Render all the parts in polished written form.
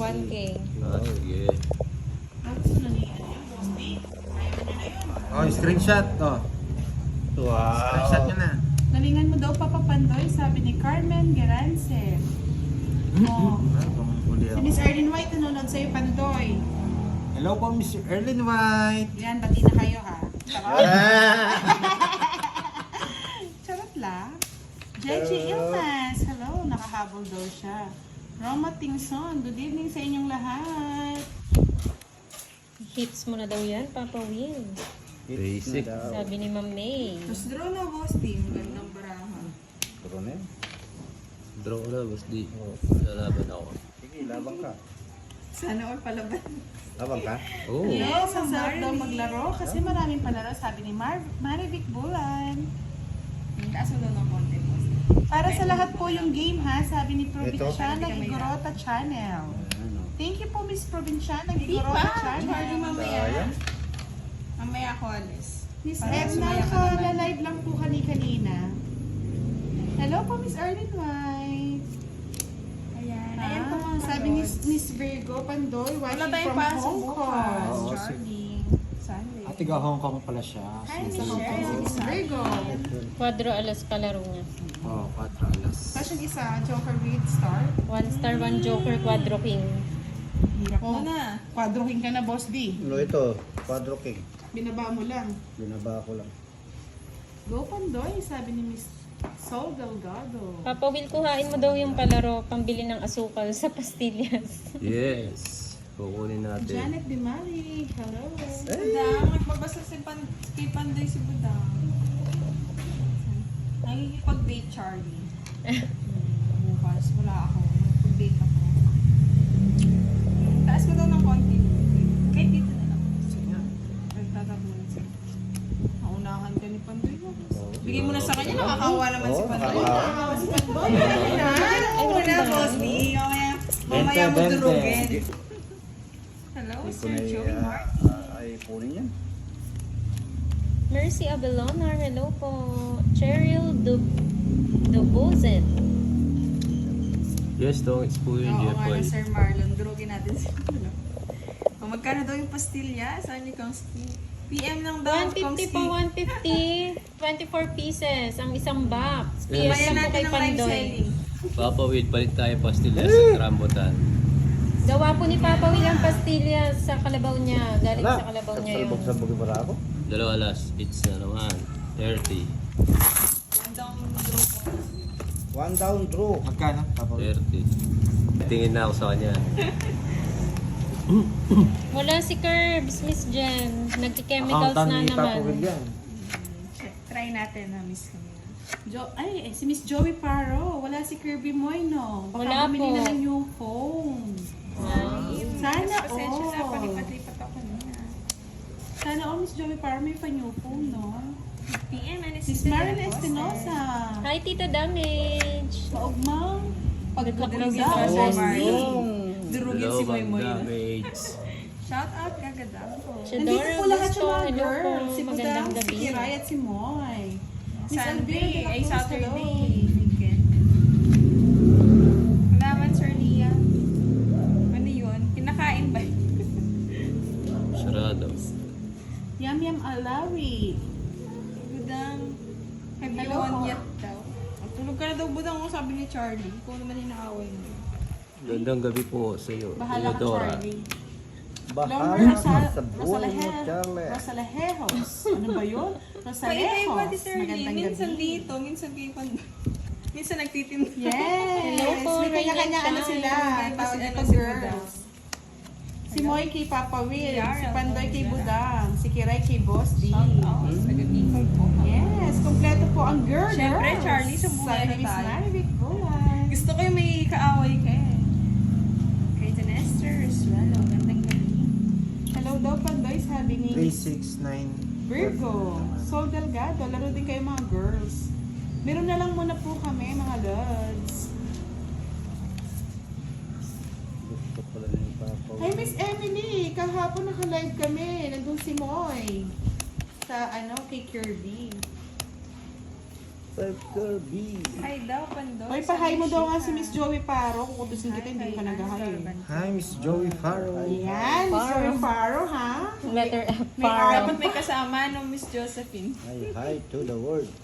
1K. Sige. Oh, screenshot. Oh. Wow. Screenshot nyo na. Nalingan mo daw Papa Pandoy, sabi ni Carmen Gerance. Oh. Si Miss Erlyn White nanonood sa'yo, Pandoy. Hello po, Mr. Erlyn White. Yan, bati na kayo ha. Charot. Charot lang. Jeji Ilmas, hello, nakahabol daw siya. Roma Tingson, good evening sa inyong lahat. Hits mo na daw yan, Papa Will. Basic. Sabi ni Ma'am May. Tapos draw na boss team, gandang barahan. Puro na yun. Draw na, boss di. Lalaban ako. Sige, labang ka. Sana all palaban. Labang ka? Oo. Yes, ang sarap daw maglaro kasi maraming palaro, sabi ni Marivic Bulan. Kaso daw ng konti boss. Para sa lahat po yung game ha, sabi ni Provinciana Igorota Channel. Thank you po Miss Provinciana Igorota Channel. Mamaya ako alis. Miss Edna, naka-live lang po kanina. Hello po Miss Erlyn White. Ayan. Ah, Ayan po mga sabi ni Miss Virgo Pandoy, Wala watching tayong from pasok Hong bukas. Kong. Charlie. Sunday. At tiga Hong Kong pala siya. Hi, Miss Si Cheryl. Miss Virgo. Quadro alas kalaro niya. Oh, 4 alas. Tapos yung isa, Joker with Star. 1 star, 1 joker, quadro king. Hirap Mo mo. na. Quadroking ka na, Boss D. Ano ito? Quadro King. Binaba mo lang. Binaba ko lang. Go Pandoy, sabi ni Miss Sol Delgado. Papa Will, kuhain mo daw yung palaro pambili ng asukal sa pastillas. Yes. Kukunin natin. Janet Dimari, hello. Budang, magbabasa kay Panday si Budang. Nakikipag-date Charlie. Bukas, wala ako. Mag-date ako. Taas mo daw ng konti. Kahit dito na lang. Sige. Nagtatabunan siya. Naunahan ka ni Panday. Bigay mo na sa kanya, nakakawa naman si Panday. nakakawa. Si Panday. Ay, wala, boss. Mamaya mo durugin. Hello, Sir Joey Mark. Ay, punin yan. Mercy Abelona, hello po. Cheryl Dubozet. Yes, tong po yung Oo nga na, Jepoy. Sir Marlon. Durugin natin si Marlon. O, magkano daw yung pastilya? Saan ni Kongski? PM lang daw, 150 po, 150. 24 pieces ang isang box. PS Bayan lang po natin kay ng live Pandoy. selling. Papa Will, palit tayo pastillas sa Rambutan. Gawa po ni Papa Will ang pastillas sa kalabaw niya. Galing sa kalabaw niya yun. Sabog-sabog yung para ako. 2 alas. It's na naman. 30. One down, draw. Magkano? Papa? 30. Tingin na ako sa kanya. Wala si Curbs, Miss Jen. Nagki-chemicals Accountant na ni Papa naman. Will yan. Try natin na miss kami. Si Miss Joey Paro. Wala si Kirby Moy, no? Baka Wala bumili po. na ng new phone. Sana Pasensya na, all. palipat-lipat ako na. Sana all, Miss Joey Paro may pa new phone, no? PM, ano Miss Marilyn Espinosa. Hi, Tita Damage. Maugmang. Durugin Pagkakulidaw. sa Sir Marlon. Yung... Durugin si Moy Moy. damage. Shout out kagadang po. Nandito Chedora po lahat Gusto, yung mga hello po. girls. Si Magandang Budang, si gabi. Kiray at si Moy. Miss Sunday, Elvira de la ay Cruz, Saturday. hello. Weekend. Malaman, Sir Lia. Ano yun? Kinakain ba? Sarado. Yam Yam Alawi. Budang. Have you Hello won po. yet daw? Tulog ka na daw, Budang, kung sabi ni Charlie. Kung naman yung naaway mo. Gandang gabi po sa iyo. Bahala ka, Theodora. Charlie. Bahala sa buhay mo, Charlie. Rosalejos. Ano ba yun? Paiba-iba Rosalejos. ni Sir Lee. Magandang Minsan gabi. dito, minsan kay Panday. Minsan nagtitinda. Yes! Hello po, May kanya-kanya Ryan ano sila. Shine. Tawag Ano ito si girls. Si Moy kay Papa Will. Yara, Si Pandoy kay Yara. Budang. Si Kiray kay Boss D. Shout out. Taga-Bicol po. Yes! Kompleto po ang girls. Siyempre, Charlie, sa buhay Sabi na ni Miss tayo. Marivic Bulan. Gusto ko yung may kaaway ka eh. Kay Janesters. Well, gandang gabi. Hello daw Pandoy, sabi ni 369. Virgo. Sol Delgado. Laro din kayo mga girls. Meron na lang muna po kami mga lods. Gusto pala na yung Papa. Hi Miss Emily, kahapon naka-live kami. Nandun si Moy. Sa kay Kirby. 5 Kirby. Hi daw, Pandoy. Hoy, pahay mo daw nga si Miss Joey Paro. Kukutusin kita, hindi ka nag-hi. Hi, Miss Joey Farrow. Ayan, Miss Joey Paro, ha? Letter F. May dapat may kasama no Miss Josephine. Hi to the world.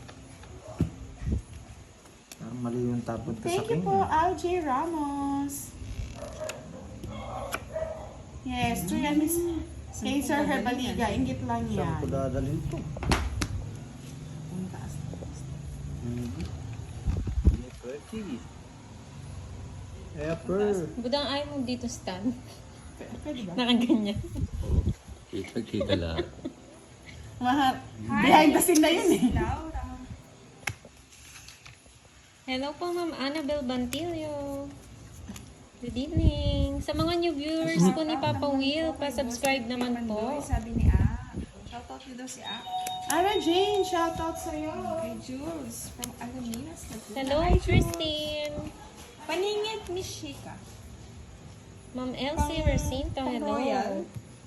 Mali yung tapon ko sa Thank you king. po, LJ Ramos. Yes, true yan, Miss kay Sir Herbaliga. Ingit lang Saan ko yan. dadalhin to? Pretty. Pepper. Budang ayaw mo dito stand. Pwede ba? Nakaganyan. Oo. Kita lahat. Mahal. Behind the scene na yun eh. Laura. Hello po, Ma'am Annabel Bantilio. Good evening. Sa mga new viewers po ni Papa Will, pa-subscribe naman po. Pandoy, sabi ni A. Shoutout nyo daw si A. Ara Jane, shoutout sa'yo. Kay Jules from Alaminas. Hello, Hi, Jules. Christine. Paningit, Miss Shika. Ma'am Elsie Recinto, hello. Royal.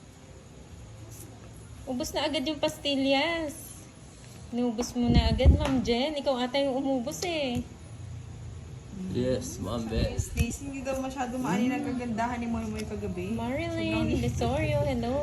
Ubus na agad yung pastillas. Inubos mo na agad, Ma'am Jen. Ikaw ata yung umubos eh. Yes, Ma'am Beth. Stacy, hindi daw masyado maani ng kagandahan ni Moy Moy kagabi. Marilyn Desorio, hello.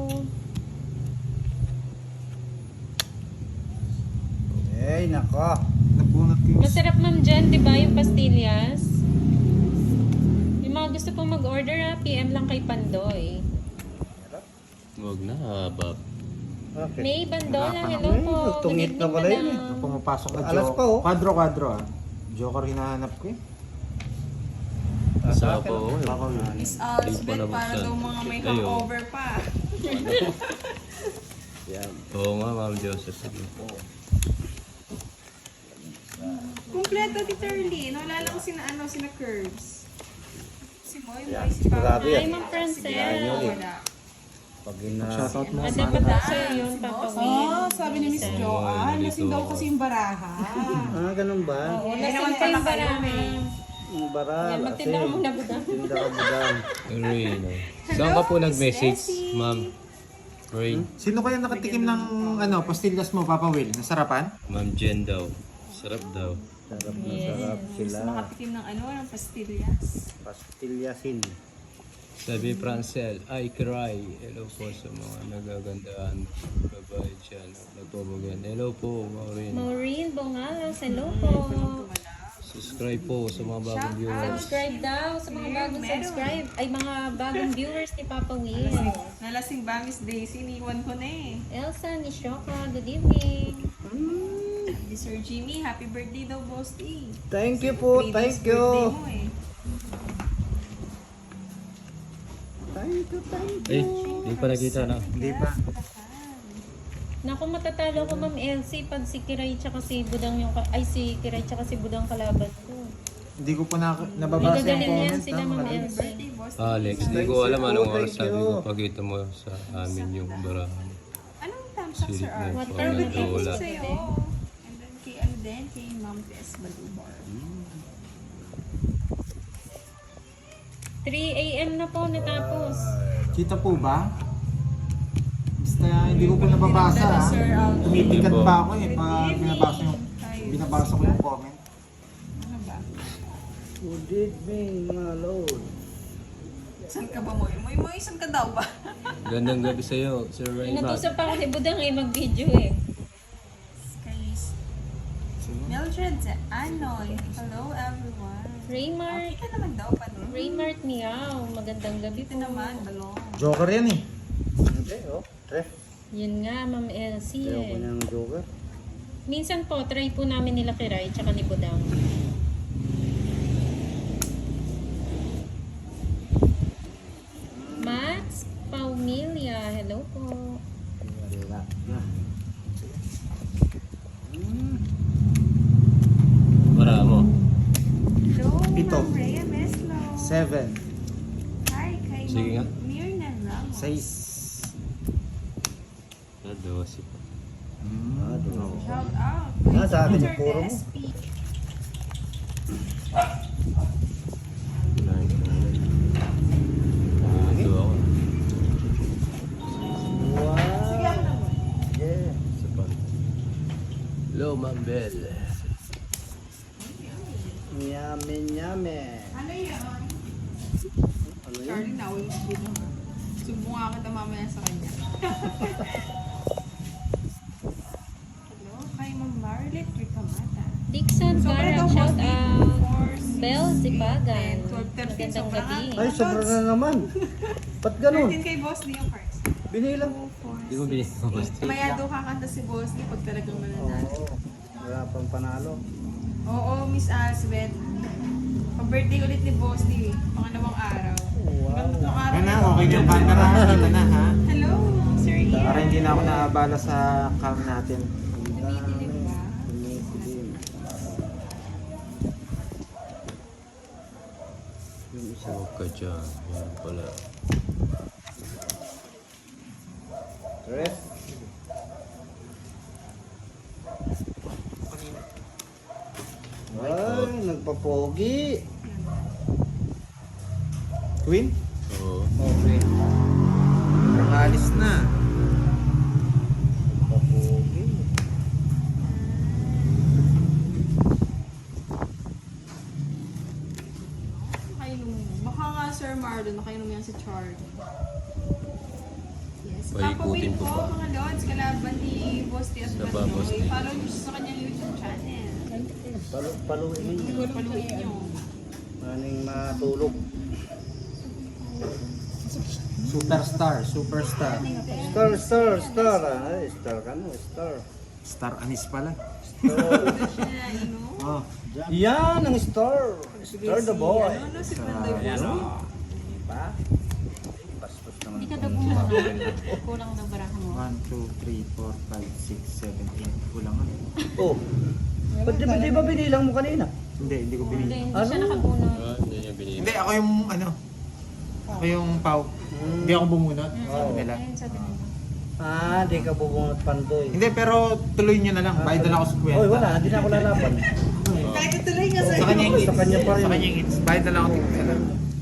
Ay, nako. Nabunot ko yung... Masarap, Ma'am Jen, di ba, yung pastillas? Yung mga gusto pong mag-order, PM lang kay Pandoy. Huwag na, Bob. Okay. May Bandola, hello Ay, po. Good tungit evening, na pala yun eh. madam. Pumapasok na Alas pa, oh. Quadro ah. Joker hinahanap ko eh. Sa po, Baka yun. Miss Hindi pa Alsbeth, para nabuksan. daw mga may Kayo. hangover pa. Yan. Oo nga, Ma'am Joseph. Kumpleto, Tita Erlene. Wala lang sina Curbs. Si Moy Moy, Yan, si Papa. sigurado yan. Hi, Ma'am Francel. Wala. Pag Shoutout mo. At dapat daw sa'yo yun, Papa Will. Oh, sabi ni Miss Joanne, lasing daw kasi yung baraha. ganun ba? Oo, lasing pa yung barama. Ang baral. Yan, magtinda ka muna, budang. Tinda ka budang. Rain. Saan ka po nag-message, Ma'am? Rain. Sino kaya nakatikim ng pastillas mo, Papa Will? Nasarapan? Ma'am Jen daw. Sarap daw. Sarap na sarap sila. Nakatikim ng ng pastillas. Pastilyasin. Sabi Francel, I cry. Hello po sa mga nagagandaan. Babae dyan. Nagpabagan. Hello po, Maureen. Maureen Bongalas, hello po. Subscribe po sa mga bagong viewers. Subscribe daw sa mga bagong subscribe. Ay, mga bagong viewers ni Papa Will. Nalasing ba, Miss Daisy? Iniwan ko na eh. Elsa Nishoka, good evening. Si Sir Jimmy, happy birthday daw, Boss D. Thank you po, thank Birthday you. mo eh. Thank you, thank you. Eh, di pa nakita na. Hindi pa. Naku, matatalo ko, Ma'am Elsie, pag si Kiray tsaka si Budang yung... Ay, si Kiray tsaka si Budang kalaban ko. Hindi ko pa nababasa May yung gagalin yan comment. sila, Ma'am Elsie. Birthday, Boss D. Alex, di ko alam anong oras sabi ko. Pakita mo sa amin yung barahan. Anong thumbs up, Sir Silip na Art? What po time na is it? wala. Sa'yo. And then kay kay Ma'am Tess Balubar. 3 a.m. na po natapos. Kita po ba? Basta hindi ko po nababasa ha. Sir Al. Tumitikat Hindi po. pa ako eh. Pag binabasa ko yung comment. Ano ba? Good evening, my lord. Saan ka ba, Moy? Moy, saan ka daw ba? Gandang gabi sa'yo, Sir Raymond. Inutusan pa ako si Budang eh, mag-video eh. Guys. Mildred Anoy. Hello, everyone. Raymart, Okay ka naman daw pa nun. Raymart Miao, magandang gabi Ito po. naman, balong. Joker yan eh. Hindi, oh. Tref. Yun nga, Ma'am Elsie Ayaw ko eh. niyang joker. Minsan po, try po namin nila Kiray tsaka ni Budang. Max Paumilia, hello po. Wala na. Para mo. Hello, Ito. Ma'am Rhea Meslo. 7. Hi, kay Sige nga. Ma'am Mirna Ramos. 6. Dosi pa. Doon. Shout out. Sa akin Peter yung puro mo. SP. Ito ako. Wow. Sige, ano naman? Yeah. Hello, Ma'am Bell. Sumbong nga kita mamaya sa kanya. Hello, kay Ma'am Marlet Ricamata. Dixon Sobra Garang, daw, shout boss, out. 4, Bell Zipagan. 12, 13, Magandang sobra gabi. nga. Ay, sobra na naman. Ba't ganun? 13 kay Boss Lee yung cards. Binilang. Di mo binigyan ko. Maya doon kakanta si Boss Lee pag talagang mananalo. Oo. Wala pang panalo. Oo, Miss Aswed. Pag-birthday ulit ni Boss Lee, pangalawang araw. Tatlong araw Ano na, na. okay yung camera. Kita na ha. Hello, Sir Ian. Para hindi na ako naabala sa cam natin. Tumitilip ba? Yung isa. Huwag ka dyan. Yan pala. Tres. Ay, nagpapogi. Queen? Oo. Okay. Nakalis na. Nagpapogi. Nakainom mo. Baka nga Sir Marlon, nakainom yan si Charlie. Yes. Ay, Papa Will ikutin ko po, pa. mga Lods, kalaban ni Boss T at Sa ba, Boss T? Manoy. Follow niyo siya sa kanyang YouTube channel. Paluin ninyo. Paluin niyo. Maning matulog. Superstar. Superstar. Star. Ay, star ka no, star. Star Anis pala. Star. Siya, ano? Oh. Yan ang star. Star the boy. Ano, si Pandoy Ayan Boss. o. Diba? Bastos naman. Hindi ka daw kulang. Kulang daw barahan mo. 1, 2, 3, 4, 5, 6, 7, 8. Kulang ano? Oh. Ba't di ba binilang mo kanina? Hindi ko Hindi, binili. hindi siya nakabunot. Ah, hindi niya binigyan. Hindi, ako yung ano. Ako yung pau. Hindi ako bumunot. Sabi nila. Ayun, sabi nila. Ah, di ka bubunot pandoy. Hindi, pero tuloy nyo na lang. Bayad na lang ako sa kwenta. Oy, wala, hindi na ako lalaban. Kahit ituloy nga Sa kanya yung Sa kanya pa rin. Sa kanya yung hits. Bayad na lang ako.